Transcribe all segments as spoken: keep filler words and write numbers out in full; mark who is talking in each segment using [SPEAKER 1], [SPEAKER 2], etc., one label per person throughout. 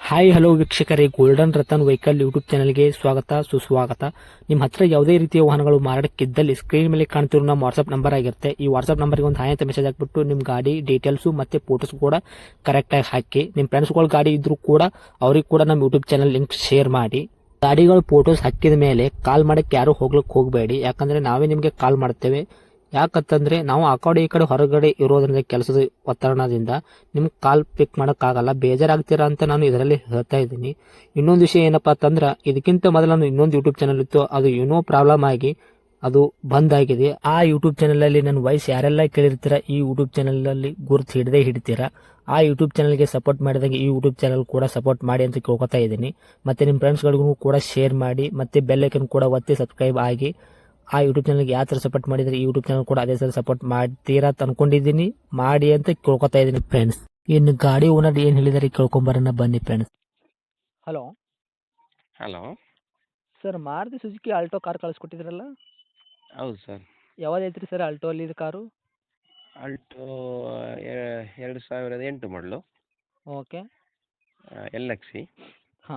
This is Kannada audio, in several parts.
[SPEAKER 1] ಹಾಯ್ ಹಲೋ ವೀಕ್ಷಕರೇ, ಗೋಲ್ಡನ್ ರತನ್ ವೆಹಿಕಲ್ ಯೂಟ್ಯೂಬ್ ಚಾನಲ್ಗೆ ಸ್ವಾಗತ ಸುಸ್ವಾಗತ. ನಿಮ್ಮ ಹತ್ರ ಯಾವುದೇ ರೀತಿಯ ವಾಹನಗಳು ಮಾರಾಟಕ್ಕಿದ್ದಲ್ಲಿ ಸ್ಕ್ರೀನ್ ಮೇಲೆ ಕಾಣ್ತಿರೋ ನಮ್ಮ ವಾಟ್ಸ್ಆಪ್ ನಂಬರ್ ಆಗಿರುತ್ತೆ. ಈ ವಾಟ್ಸ್ಆಪ್ ನಂಬರ್ಗೆ ಒಂದು ಹಾಯ್ ಅಂತ ಮೆಸೇಜ್ ಹಾಕ್ಬಿಟ್ಟು ನಿಮ್ಮ ಗಾಡಿ ಡೀಟೇಲ್ಸು ಮತ್ತೆ ಫೋಟೋಸ್ ಕೂಡ ಕರೆಕ್ಟಾಗಿ ಹಾಕಿ. ನಿಮ್ಮ ಫ್ರೆಂಡ್ಸ್ಗಳ ಗಾಡಿ ಇದ್ರೂ ಕೂಡ ಅವ್ರಿಗೆ ಕೂಡ ನಮ್ಮ ಯೂಟ್ಯೂಬ್ ಚಾನಲ್ ಲಿಂಕ್ ಶೇರ್ ಮಾಡಿ. ಗಾಡಿಗಳು ಫೋಟೋಸ್ ಹಾಕಿದ ಮೇಲೆ ಕಾಲ್ ಮಾಡಕ್ಕೆ ಯಾರು ಹೋಗ್ಲಿಕ್ಕೆ ಹೋಗಬೇಡಿ, ಯಾಕಂದ್ರೆ ನಾವೇ ನಿಮಗೆ ಕಾಲ್ ಮಾಡ್ತೇವೆ. ಯಾಕಂತಂದ್ರೆ ನಾವು ಆ ಕಡೆ ಈ ಕಡೆ ಹೊರಗಡೆ ಇರೋದ್ರಿಂದ ಕೆಲಸದ ಒತ್ತಡದಿಂದ ನಿಮ್ಗೆ ಕಾಲ್ ಪಿಕ್ ಮಾಡೋಕ್ಕಾಗಲ್ಲ, ಬೇಜಾರಾಗ್ತೀರಾ ಅಂತ ನಾನು ಇದರಲ್ಲಿ ಹೇಳ್ತಾ ಇದ್ದೀನಿ. ಇನ್ನೊಂದು ವಿಷಯ ಏನಪ್ಪಾ ಅಂತಂದ್ರೆ, ಇದಕ್ಕಿಂತ ಮೊದಲು ನಾನು ಇನ್ನೊಂದು ಯೂಟ್ಯೂಬ್ ಚಾನಲ್ ಇತ್ತು, ಅದು ಏನೋ ಪ್ರಾಬ್ಲಮ್ ಆಗಿ ಅದು ಬಂದ್ ಆಗಿದೆ. ಆ ಯೂಟ್ಯೂಬ್ ಚಾನಲ್ ಅಲ್ಲಿ ನನ್ನ ವಾಯ್ಸ್ ಯಾರೆಲ್ಲ ಕೇಳಿರ್ತೀರಾ, ಈ ಯೂಟ್ಯೂಬ್ ಚಾನಲ್ ಅಲ್ಲಿ ಗುರುತು ಹಿಡದೆ ಹಿಡಿತೀರಾ. ಆ ಯೂಟ್ಯೂಬ್ ಚಾನಲ್ಗೆ ಸಪೋರ್ಟ್ ಮಾಡಿದಾಗ ಈ ಯೂಟ್ಯೂಬ್ ಚಾನಲ್ ಕೂಡ ಸಪೋರ್ಟ್ ಮಾಡಿ ಅಂತ ಕೇಳ್ಕೊತಾ ಇದ್ದೀನಿ. ಮತ್ತೆ ನಿಮ್ಮ ಫ್ರೆಂಡ್ಸ್ಗಳಿಗೂ ಕೂಡ ಶೇರ್ ಮಾಡಿ, ಮತ್ತೆ ಬೆಲ್ ಐಕನ್ ಕೂಡ ಒತ್ತಿ ಸಬ್ಸ್ಕ್ರೈಬ್ ಆಗಿ. ಆ ಯೂಟ್ಯೂಬ್ ಚಾನಲ್ಗೆ ಯಾವ ಥರ ಸಪೋರ್ಟ್ ಮಾಡಿದರೆ ಈ ಯೂಟ್ಯೂಬ್ ಚಾನಲ್ ಕೂಡ ಅದೇ ಥರ ಸಪೋರ್ಟ್ ಮಾಡ್ತೀರಾ ಅಂತ ಅನ್ಕೊಂಡಿದ್ದೀನಿ. ಮಾಡಿ ಅಂತ ಕೇಳ್ಕೊತಾ ಇದ್ದೀನಿ ಫ್ರೆಂಡ್ಸ್. ಇನ್ನು ಗಾಡಿ ಓನರ್ ಏನು ಹೇಳಿದಾರೆ ಕೇಳ್ಕೊಂಬರೋಣ ಬನ್ನಿ friends. Hello
[SPEAKER 2] hello.
[SPEAKER 1] Sir, Maruti Suzuki Alto car ಕಳಿಸ್ಕೊಟ್ಟಿದ್ರಲ್ಲ,
[SPEAKER 2] ಹೌದು ಸರ್.
[SPEAKER 1] ಯಾವ್ದು ಐತ್ರಿ ಸರ್ ಆಲ್ಟೋ ಅಲ್ಲಿ ಇದು ಕಾರು?
[SPEAKER 2] ಆಲ್ಟೋ ಎರಡು ಸಾವಿರದ ಎಂಟು ಮಾಡಲು,
[SPEAKER 1] ಓಕೆ.
[SPEAKER 2] L X C.
[SPEAKER 1] ಹಾಂ.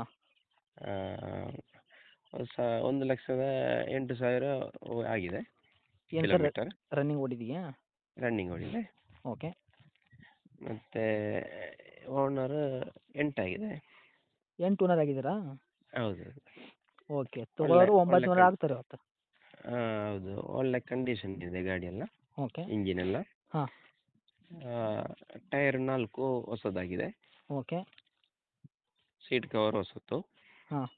[SPEAKER 2] ಹೊಸ ಒಂದು ಲಕ್ಷದ ಎಂಟು ಸಾವಿರ ಆಗಿದೆ
[SPEAKER 1] ಏನು ಸರ್,
[SPEAKER 2] ಕಿಲೋಮೀಟರ್
[SPEAKER 1] ರನ್ನಿಂಗ್ ಓಡಿದೆಯಾ?
[SPEAKER 2] ರನ್ನಿಂಗ್ ಓಡಿದೆ.
[SPEAKER 1] ಓಕೆ.
[SPEAKER 2] ಮತ್ತು ಓನರ್ ಎಂಟಾಗಿದೆ.
[SPEAKER 1] ಎಂಟು ಓನರ್ ಆಗಿದ್ದೀರಾ?
[SPEAKER 2] ಹೌದು.
[SPEAKER 1] ಓಕೆ.
[SPEAKER 2] ಒಳ್ಳೆ
[SPEAKER 1] ತಗೊಳ್ಳೋರು
[SPEAKER 2] ಒಳ್ಳೆ
[SPEAKER 1] ಒಂಬತ್ತು ಓನರ್
[SPEAKER 2] ಕಣ್
[SPEAKER 1] ಆಗ್ತಾರೆ ಇವತ್ತು.
[SPEAKER 2] ಹೌದು, ಒಳ್ಳೆ ಕಂಡೀಷನ್ ಇದೆ ಗಾಡಿ ಎಲ್ಲ,
[SPEAKER 1] ಓಕೆ.
[SPEAKER 2] ಇಂಜಿನ್ ಎಲ್ಲ.
[SPEAKER 1] ಹಾಂ.
[SPEAKER 2] ಟೈರ್ ನಾಲ್ಕು ಹೊಸದಾಗಿದೆ.
[SPEAKER 1] ಓಕೆ.
[SPEAKER 2] ಸೀಟ್ ಕವರ್ ಹೊಸತು.
[SPEAKER 1] ಹಾಂ.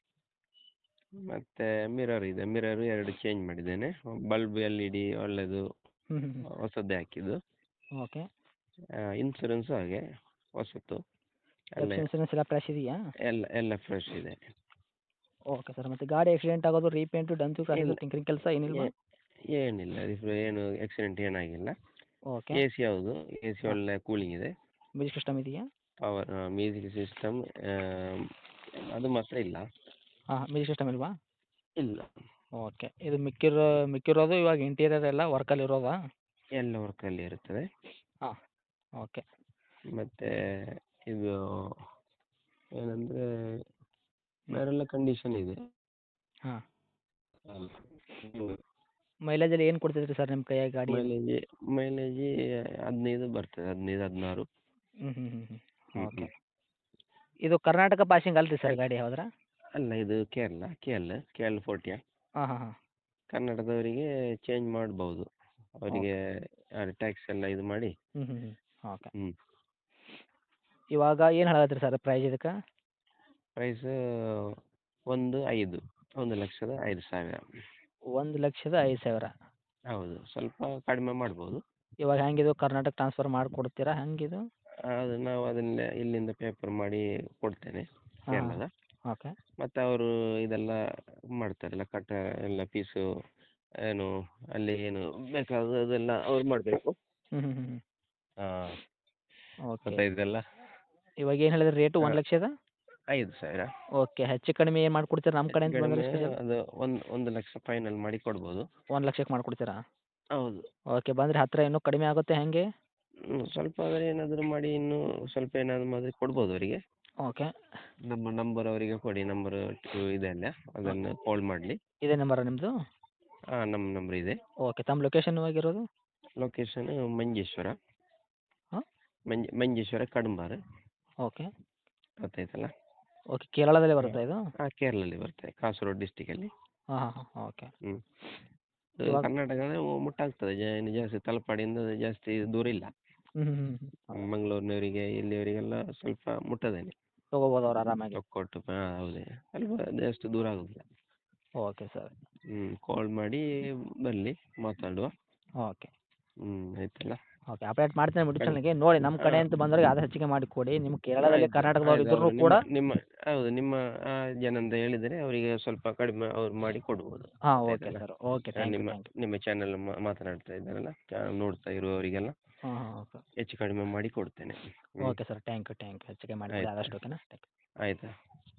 [SPEAKER 2] ಮತ್ತು ಮಿರರ್ ಇದೆ, ಮಿರರು ಎರಡು ಚೇಂಜ್ ಮಾಡಿದ್ದೇನೆ. ಬಲ್ಬ್ ಎಲ್ ಇ ಡಿ ಒಳ್ಳೆಯದು,
[SPEAKER 1] ಹ್ಞೂ ಹ್ಞೂ
[SPEAKER 2] ಹೊಸದ್ದೇ ಹಾಕಿದ್ದು.
[SPEAKER 1] ಓಕೆ.
[SPEAKER 2] ಇನ್ಸೂರೆನ್ಸು ಹಾಗೆ ಹೊಸತು. ಎಲ್ಲ
[SPEAKER 1] ಎಫ್ ಇನ್ಸೂರೆನ್ಸ್ ಎಲ್ಲ ಫ್ರೆಶ್ ಇದೆಯಾ?
[SPEAKER 2] ಎಲ್ಲ ಎಲ್ಲ ಫ್ರೆಶ್ ಇದೆ.
[SPEAKER 1] Okay sir. ಮತ್ತು ಗಾಡಿ ಆಕ್ಸಿಡೆಂಟ್ ಆಗೋದು, ರೀಪೇಂಟು, ಡಂತು, ಕ್ರಾಸು,
[SPEAKER 2] ಇಲ್ಲ,
[SPEAKER 1] ಟಿಂಕರಿಂಗ್ ಕೆಲಸ ಏನಿಲ್ವಾ?
[SPEAKER 2] ಏ- ಏನಿಲ್ಲ, ಇದು ಏನು ಆಕ್ಸಿಡೆಂಟ್ ಏನಾಗಿಲ್ಲ.
[SPEAKER 1] ಓಕೆ.
[SPEAKER 2] ಎ ಸಿ ಹೌದು, ಎ ಸಿ
[SPEAKER 1] ಹಾಂ.
[SPEAKER 2] ಒಳ್ಳೆ ಕೂಲಿಂಗ್ ಇದೆ.
[SPEAKER 1] ಮ್ಯೂಸಿಕ್ ಸಿಸ್ಟಮ್ ಇದೆಯಾ?
[SPEAKER 2] ಪವರ್ ಮ್ಯೂಸಿಕ್ ಸಿಸ್ಟಮ್ ಅದು ಮಾತ್ರ ಇಲ್ಲ.
[SPEAKER 1] ಹಾಂ, ಮ್ಯೂಸಿಕ್ ಸಿಸ್ಟಮ್ ಇಲ್ವಾ?
[SPEAKER 2] ಇಲ್ಲ,
[SPEAKER 1] ಓಕೆ. ಇದು ಮಿಕ್ಕಿರೋ ಮಿಕ್ಕಿರೋದು ಇವಾಗ ಇಂಟೀರಿಯರ್ ಎಲ್ಲ ವರ್ಕಲ್ಲಿ ಇರೋದಾ?
[SPEAKER 2] ಎಲ್ಲ ವರ್ಕಲ್ಲಿ ಇರುತ್ತದೆ.
[SPEAKER 1] ಹಾಂ. ಓಕೆ.
[SPEAKER 2] ಮತ್ತು ಇದು ಏನಂದರೆ ಬೇರೆಲ್ಲ ಕಂಡೀಷನ್ ಇದೆ.
[SPEAKER 1] ಹಾಂ.
[SPEAKER 2] ಅಲ್ಲ,
[SPEAKER 1] ಮೈಲೇಜಲ್ಲಿ ಏನು ಕೊಡ್ತೈತ್ರಿ ಸರ್ ನಿಮ್ಮ ಕೈಯಾಗ ಗಾಡಿ ಇದು?
[SPEAKER 2] ಮೈಲೇಜ್ ಮೈಲೇಜ್ ಹದಿನೈದು ಬರ್ತದೆ, ಹದಿನೈದು ಹದಿನಾರು.
[SPEAKER 1] ಹ್ಞೂ ಹ್ಞೂ ಹ್ಞೂ ಹ್ಞೂ
[SPEAKER 2] ಹ್ಞೂ
[SPEAKER 1] ಓಕೆ.
[SPEAKER 2] ಹ್ಞೂ
[SPEAKER 1] ಇದು ಕರ್ನಾಟಕ ಪಾಸಿಂಗ್ ಅಲ್ರಿ ಸರ್ ಗಾಡಿ ಯಾವ್ದ್ರ?
[SPEAKER 2] ಅಲ್ಲ, ಇದು Kerala, K L K L ಫೋರ್ಟಿಯ.
[SPEAKER 1] ಹಾಂ ಹಾಂ ಹಾಂ.
[SPEAKER 2] ಕನ್ನಡದವರಿಗೆ ಚೇಂಜ್ ಮಾಡ್ಬೋದು, ಅವರಿಗೆ ಟ್ಯಾಕ್ಸ್ ಎಲ್ಲ ಇದು ಮಾಡಿ.
[SPEAKER 1] ಹ್ಞೂ ಹ್ಞೂ ಹ್ಞೂ ಓಕೆ.
[SPEAKER 2] ಹ್ಞೂ
[SPEAKER 1] ಇವಾಗ ಏನು ಹೇಳತ್ತೀರಿ ಸರ್ ಪ್ರೈಸ್ ಇದಕ್ಕೆ?
[SPEAKER 2] ಪ್ರೈಸ್ ಒಂದು ಐದು ಒಂದು ಲಕ್ಷದ ಐದು ಸಾವಿರ.
[SPEAKER 1] ಒಂದು ಲಕ್ಷದ ಐದು ಸಾವಿರ.
[SPEAKER 2] ಹೌದು, ಸ್ವಲ್ಪ ಕಡಿಮೆ ಮಾಡ್ಬೋದು.
[SPEAKER 1] ಇವಾಗ ಹೆಂಗಿದು ಕರ್ನಾಟಕ ಟ್ರಾನ್ಸ್ಫರ್ ಮಾಡಿಕೊಡ್ತೀರಾ ಹೆಂಗಿದು?
[SPEAKER 2] ಅದು ನಾವು ಅದನ್ನ ಇಲ್ಲಿಂದ ಪೇಪರ್ ಮಾಡಿ ಕೊಡ್ತೇನೆ
[SPEAKER 1] ಹಾಂ ಹಾಂ.
[SPEAKER 2] ಕೇರಳದ.
[SPEAKER 1] ಓಕೆ.
[SPEAKER 2] ಮತ್ತು ಅವರು ಇದೆಲ್ಲ ಮಾಡ್ತಾರಲ್ಲ, ಕಟ್ಟ ಎಲ್ಲ ಫೀಸು ಏನು ಅಲ್ಲಿ ಏನು ಬೇಕಾದದೆಲ್ಲ ಅವ್ರು ಮಾಡಬೇಕು.
[SPEAKER 1] ಹ್ಞೂ ಹ್ಞೂ ಹ್ಞೂ
[SPEAKER 2] ಹಾಂ,
[SPEAKER 1] ಓಕೆ.
[SPEAKER 2] ಗೊತ್ತಾಯ್ತಲ್ಲ.
[SPEAKER 1] ಇವಾಗ ಏನು ಹೇಳಿದ್ರಿ ರೇಟು? ಒಂದು ಲಕ್ಷದ
[SPEAKER 2] ಐದು ಸಾವಿರ.
[SPEAKER 1] ಓಕೆ. ಹೆಚ್ಚು ಕಡಿಮೆ ಏನು ಮಾಡಿಕೊಡ್ತೀರಾ ನಮ್ಮ
[SPEAKER 2] ಹೆಚ್ಚು
[SPEAKER 1] ಕಡೆಯಿಂದ ಬಂದರೆ
[SPEAKER 2] ಕಡಿಮೆ
[SPEAKER 1] ಸ್ಪೆಷಲ್?
[SPEAKER 2] ಅದು ಒಂದು ಒಂದು ಲಕ್ಷ ಫೈನಲ್ ಮಾಡಿ ಕೊಡ್ಬೋದು.
[SPEAKER 1] ಒಂದು ಲಕ್ಷಕ್ಕೆ ಮಾಡಿಕೊಡ್ತೀರಾ?
[SPEAKER 2] ಹೌದು.
[SPEAKER 1] ಓಕೆ. ಬಂದರೆ ಹತ್ತಿರ ಇನ್ನೂ ಕಡಿಮೆ ಆಗುತ್ತೆ ಹೆಂಗೆ?
[SPEAKER 2] ಹ್ಮ್, ಸ್ವಲ್ಪ ಆದರೆ ಏನಾದರೂ ಮಾಡಿ ಇನ್ನೂ ಸ್ವಲ್ಪ ಏನಾದರೂ ಮಾಡಿ ಕೊಡ್ಬೋದು ಅವರಿಗೆ.
[SPEAKER 1] ಓಕೆ.
[SPEAKER 2] ನಮ್ಮ ನಂಬರ್ ಅವರಿಗೆ ಕೊಡಿ, ನಂಬರ್ ಇದೆ ಅಲ್ಲ, ಅದನ್ನು ಕಾಲ್ ಮಾಡಲಿ.
[SPEAKER 1] ಇದೇ ನಂಬರಾ ನಿಮ್ಮದು?
[SPEAKER 2] ಹಾಂ, ನಮ್ಮ ನಂಬರ್ ಇದೆ.
[SPEAKER 1] ಓಕೆ. ತಮ್ಮ ಲೊಕೇಶನ್ ಇವಾಗಿರೋದು?
[SPEAKER 2] ಲೊಕೇಶನ್ ಮಂಜೇಶ್ವರ.
[SPEAKER 1] ಹಾಂ.
[SPEAKER 2] ಮಂಜ ಮಂಜೇಶ್ವರ ಕಡಂಬಾರ್.
[SPEAKER 1] ಓಕೆ.
[SPEAKER 2] ಗೊತ್ತಾಯ್ತಲ್ಲ.
[SPEAKER 1] ಓಕೆ. ಕೇರಳದಲ್ಲೇ
[SPEAKER 2] ಹಾಂ
[SPEAKER 1] ಬರುತ್ತಾ ಇದು?
[SPEAKER 2] ಹಾಂ, ಕೇರಳದಲ್ಲಿ ಬರ್ತದೆ, ಕಾಸರಗೋಡು ಡಿಸ್ಟಿಕಲ್ಲಿ.
[SPEAKER 1] ಹಾಂ ಹಾಂ ಹಾಂ ಓಕೆ.
[SPEAKER 2] ಹ್ಞೂ
[SPEAKER 1] ಇವಾಗ
[SPEAKER 2] ಕರ್ನಾಟಕದ ಮುಟ್ಟಾಗ್ತದೆ, ಜ ಇನ್ನು ಜಾಸ್ತಿ ತಲಪಾಡಿಯಿಂದ ಜಾಸ್ತಿ ದೂರ ಇಲ್ಲ.
[SPEAKER 1] ಹ್ಞೂ ಹ್ಞೂ ಹ್ಞೂ ಹ್ಞೂ
[SPEAKER 2] ಮಂಗಳೂರಿನವರಿಗೆ ಇಲ್ಲಿಯವರಿಗೆಲ್ಲ ಸ್ವಲ್ಪ ಮುಟ್ಟದೇನೆ.
[SPEAKER 1] ತೊಗೋಬೋದು ಅವ್ರು ಆರಾಮಾಗಿ.
[SPEAKER 2] ತೊಕ್ಕೊಟ್ಟು ಹಾಂ ಹೌದೇ, ಸ್ವಲ್ಪ ಜಾಸ್ತಿ ದೂರ ಆಗೋದಿಲ್ಲ.
[SPEAKER 1] Okay sir.
[SPEAKER 2] ಹ್ಞೂ ಕಾಲ್ ಮಾಡಿ ಬರಲಿ, ಮಾತಾಡುವ.
[SPEAKER 1] ಓಕೆ.
[SPEAKER 2] ಹ್ಞೂ ಆಯ್ತಲ್ಲ.
[SPEAKER 1] ಓಕೆ. ಅಪ್ಡೇಟ್ ಮಾಡ್ತೇನೆ ಯೂಟ್ಯೂಬ್
[SPEAKER 2] ಕಣ್
[SPEAKER 1] ಚಾನಲ್ಗೆ ನೋಡಿ. ನಮ್ಮ ಕಡೆ
[SPEAKER 2] ಹಾಂ
[SPEAKER 1] ಅಂತ ಬಂದವ್ರಿಗೆ ಆದಷ್ಟು ಹೆಚ್ಚಿಗೆ ಮಾಡಿ ಕೊಡಿ. ನಿಮ್ಮ ಕೇರಳದಲ್ಲಿ
[SPEAKER 2] ಆಯ್ತು
[SPEAKER 1] ಕರ್ನಾಟಕದವ್ರು
[SPEAKER 2] ಆಯ್ತು,
[SPEAKER 1] ಇದ್ರೂ
[SPEAKER 2] ಅವರು ನಿಮ್ಮ
[SPEAKER 1] ಕೂಡ.
[SPEAKER 2] ನಿಮ್ಮ ಹೌದು, ನಿಮ್ಮ ಆ ಜನಂತ ಹೇಳಿದರೆ ಅವರಿಗೆ ಸ್ವಲ್ಪ ಕಡಿಮೆ ಅವ್ರು ಮಾಡಿ ಕೊಡ್ಬೋದು.
[SPEAKER 1] ಹಾಂ ಓಕೆ
[SPEAKER 2] ಗೊತ್ತಾಯ್ತಲ್ಲ.
[SPEAKER 1] ಸರ್. ಓಕೆ.
[SPEAKER 2] ಆ,
[SPEAKER 1] ಥ್ಯಾಂಕ್ ಯು
[SPEAKER 2] ನಿಮ್ಮ
[SPEAKER 1] ಥ್ಯಾಂಕ್ ಯು.
[SPEAKER 2] ನಿಮ್ಮ ಚಾನಲ್ ಮಾತನಾಡ್ತಾ ಇದ್ದಾರಲ್ಲ, ಚ- ನೋಡ್ತಾ ಇರುವವರಿಗೆಲ್ಲ
[SPEAKER 1] ಹಾಂ ಹಾಂ ಓಕೆ.
[SPEAKER 2] ಹೆಚ್ಚು ಕಡಿಮೆ ಮಾಡಿ ಕೊಡ್ತೇನೆ. ಹ್ಞೂ
[SPEAKER 1] okay sir. Thank you thank you. ಹೆಚ್ಚಿಗೆ ಮಾಡಿ ಕೊಡಿ
[SPEAKER 2] ಆಯ್ತು
[SPEAKER 1] ಆದಷ್ಟು. ಓಕೆನಾ? Thank you.
[SPEAKER 2] ಆಯಿತಾ.